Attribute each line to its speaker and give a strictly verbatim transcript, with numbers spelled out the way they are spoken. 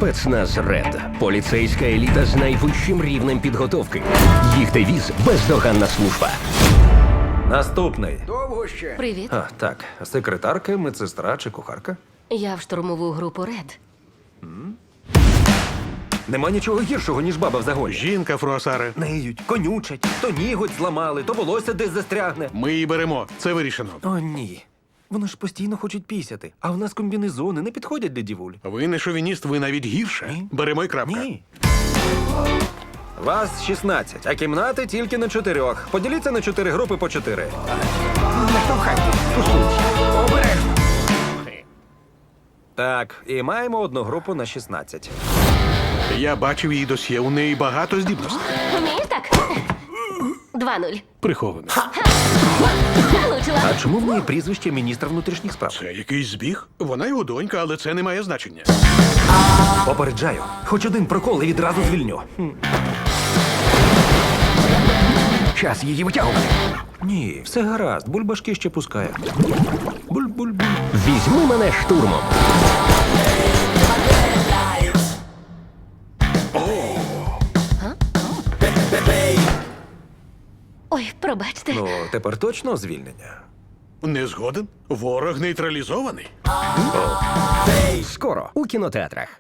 Speaker 1: Спецназ Ред. Поліцейська еліта з найвищим рівнем підготовки. Їх девіз – бездоганна служба.
Speaker 2: Наступний.
Speaker 3: Довго ще?
Speaker 4: Привіт.
Speaker 2: А, так. Секретарка, медсестра чи кухарка?
Speaker 4: Я в штурмову групу Ред.
Speaker 2: Нема нічого гіршого, ніж баба в загоні.
Speaker 5: Жінка, Фруасаре.
Speaker 2: Неють, конючать, то ніготь зламали, то волосся десь застрягне.
Speaker 5: Ми її беремо. Це вирішено.
Speaker 2: О, ні. Вони ж постійно хочуть пісяти, а в нас комбінезони не підходять для дівуль.
Speaker 5: Ви не шовініст, ви навіть гірше.
Speaker 2: Ні.
Speaker 5: Беремо і крапка.
Speaker 2: Ні. Вас шістнадцять, а кімнати тільки на чотирьох. Поділіться на чотири групи по чотири.
Speaker 3: Не штовхайте. Посунься. Обережно.
Speaker 2: Так, і маємо одну групу на шістнадцять.
Speaker 5: Я бачив її досьє, у неї багато здібностей.
Speaker 4: Вмієш так? Два нуль.
Speaker 5: Приховано.
Speaker 4: Влучила.
Speaker 2: А чому в неї прізвище міністра внутрішніх справ?
Speaker 5: Це якийсь збіг? Вона його донька, але це не має значення.
Speaker 2: Попереджаю, хоч один прокол і відразу звільню.
Speaker 3: Час її витягувати.
Speaker 2: Ні, все гаразд, бульбашки ще пускає. Буль-буль-буль.
Speaker 1: Візьми мене штурмом.
Speaker 4: Ой, пробачте.
Speaker 2: Ну, тепер точно звільнення.
Speaker 5: Не згоден? Ворог нейтралізований.
Speaker 1: Скоро у кінотеатрах.